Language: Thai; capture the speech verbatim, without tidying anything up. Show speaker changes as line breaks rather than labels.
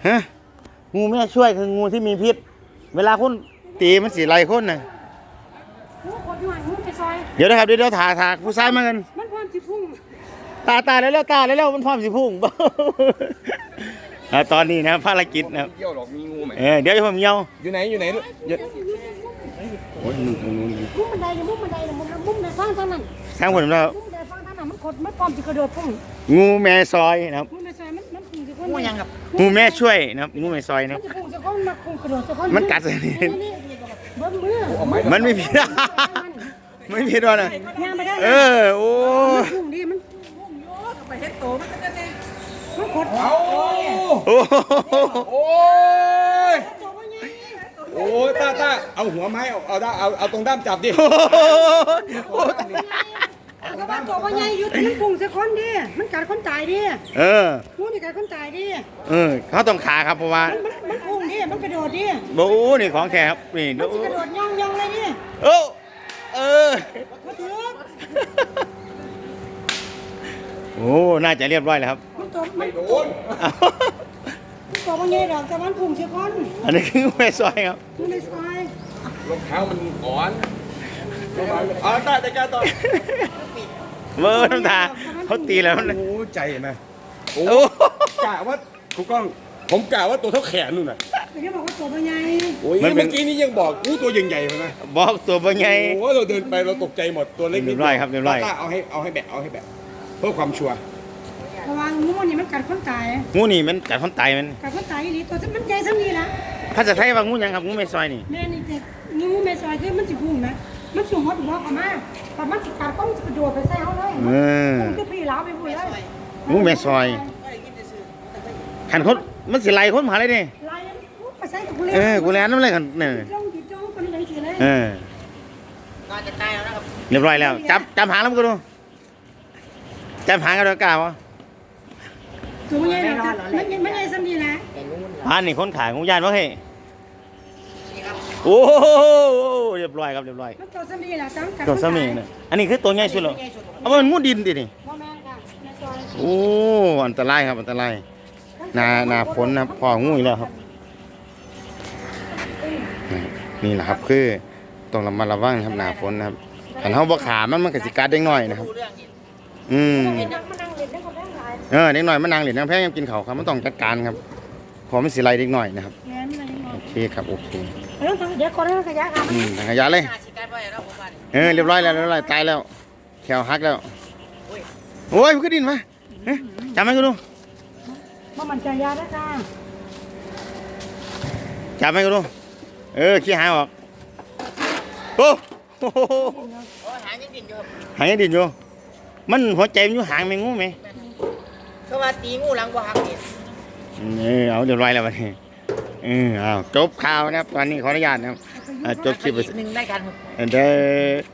ฮะงูแม่ช่วยคืองูที่มีพิษเวลาคุณตีมันสีไรคนน่ะเดี๋ยวนะครับเดี๋ยวเดี๋ยวถาถาผู้ชายมากัน
มันพร้อมสิพุ่ง
ตาตาแล้วแล้วตาแล้วแล้วมันพร้อมสิพุ่งตอนนี้นะภารกิจนะครับ
เยี่ยวหรอกมีงูไหม
เออเดี๋ยวผมเยี่ยว
อยู่ไหนอยู่ไหนอยู่
โอ้ยมึงมึงมึง
มุมบันไดมุมบันไดมุมมุมในฟังทางนั้น
สร้างผลแล้ว
มุมในฟังทางนั้นมันกดมันพร้อมสิกระโดดพุ่ง
งูแม่ซอยนะครับ
มุมในซอยมันมันพุ่งสิคนงู
ยังครับงูแม่ช่วยนะครับงูแม่ซอยนะ
มันพุ่งสิคนมันพุ่งกระโดดสิคน
มันกัดเลยนี่
เบิ้มมือ
มันไม่ผิดไม่ผิดว่านะเออโอ้
พุ่งดิมันพุ่งโยกไปเฮ็ดโตมันก็ได้มันกด
เอา
โอ้
โอ้ยโอ้ยตาตาเอาหัวไม้เอาเอาเอาเอาตรงด้ามจับดิ
ก็ว่าตัวว่าใหญ่อยู่แต่มันพุ่งสิคนดิมันกัดคนตายดิ
เออ
งูนี่กัดคนตายดิ
เออเขาต้องขาครับเพราะว่า
มันมันพุ่งดิมันกระโดดดิ
โอ้นี่ของแท้ครับนี่
มันกระโดดย่องย่องเลยดิ
โอ้เออ
มาถึง
โอ้น่าจะเรียบร้อยแล้วครับ
มันตัวมันโดนมันตัวว่าใหญ่ดอกแต่มันพุ่งสิคน
อันนี้คือแม่ซอยครับ
งูในซอย
รองเท้ามันอ่อนเอาตาจัดการต่อ
เบอร์น้ำตาเขาตีแล้ว
โอ้ใจไหมโอ้กะว่าครูกล้องผมกะว่าตัวเท่าแขนนู่นน่ะ
แต่แค่บอกว่าตัวใหญ่
โอ้ยเมื่อกี้นี้ยังบอกอู้ตัวใหญ่ๆเลยนะ
บอกตัวใหญ่
โอ้เราเดินไปเราตกใจหมดตัวเล็กนิด
เรียบร้อยครับเรียบร้อย
เอาให้เอาให้แบะเอาให้แบะเพื่อความชัวร์
ระวังงูนี่มันกัดคนตาย
งูนี่มันกัดคนตายมัน
กัดคนตายอีหลีตัวมันใหญ่ซ้ำนี่ละ
ภาษาไทยว่างูยังครับงูแม่ซอยนี่
แม่นี่เด็กงูแม่ซอยคือมันสิพุ่งนะมันสูงหัวถึงหัวเขามากแต่มันสิกัดต้องกระโดดไปใส่เขาเลยมันจะพี่ล้าไปพูดเลย
งูแม่ซอยขันคนมันสิไล่คนมาเลยนี่
ไล่ไปใส่กับกูเลย
เออกูแลนน้ำเลยกันเนี่ย
จ้องจิตจ้องคนนี้เลยสิเลย
เออก็จะตายแล้วนะครับเรียบร้อยแล้วจับจับหางแล้วมึงก็ดูจับหางกันด้วยกล้าวะ
ตัวใหญ่เลยมันมันใหญ่ซ้ำนี่นะ
อันนี้คนขายงูยานวะเฮ้โอ้เรียบร้อยครับเรียบร้อย
ตัวซ้ำนี่แหละจัง
ตัวซ้ำนี่เนี่ยอันนี้คือตัวใหญ่สุดหรอเอามันงูดินดินี่โอ้อันตรายครับอันตรายนานาฝนนะพองูอีกแล้วครับนี่แหละครับคือต้องระมัดระวังครับหนาฝนนะครับขันเท้าบ่ขามันมันกระสิกัดเด็กน้อยนะครับอืมเออเด็กน้อยมันนางเหรียญนางแพงยังกินเขาครับมันต้องจัดการครับพอมันสิไลเด็กน้อยนะครับโอเคครับโอเค
เดี๋ยวคนให้ขยะครับ
อืมขยะเลยเออเรียบร้อยแล้วเรียบร้อยตายแล้วแขวหักแล้วโอ้ยมันก็ดินมาจำไหมกูดู
ว่ามันจะยาได้จ้า
จับไหมกูดูเออขี้หายออกโอ้หางยังดินอยู่หางยังดินอยู่มันหัวใจมันอยู่หางไหมงูไหม
เขาว่าตีงูหลังบ่หักนี่
เออเอาเรียบร้อยแล้ววันนี้เออเอาจบข่าวนะครับตอนนี้ขออนุญาตนะครับจบคลิปไป
หนึ่งได้กัน
เด้อ